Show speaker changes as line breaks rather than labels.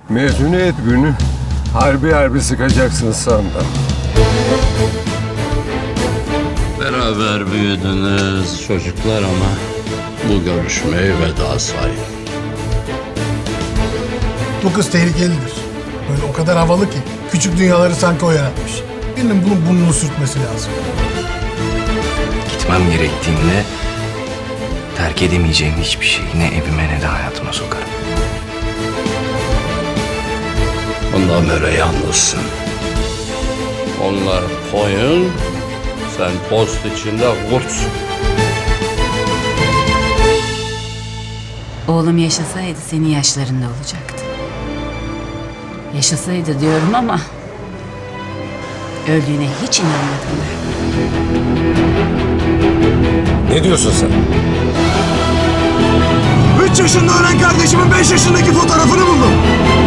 Mezuniyet günü harbi sıkacaksın sandım.
Beraber büyüdünüz çocuklar ama bu görüşmeyi veda sayın.
Bu kız tehlikelidir. Böyle o kadar havalı ki. Küçük dünyaları sanki o yaratmış. Birinin bunun burnunu sürtmesi lazım.
Gitmem gerektiğinde terk edemeyeceğim hiçbir şeyi ne evime ne de hayatıma sokarım.
Ondan beri yalnızsın. Onlar koyun, sen post içinde kurtsun.
Oğlum yaşasaydı senin yaşlarında olacaktı. Yaşasaydı diyorum ama öldüğüne hiç inanmadım ben.
Ne diyorsun sen?
3 yaşında ölen kardeşimin 5 yaşındaki fotoğrafını buldum.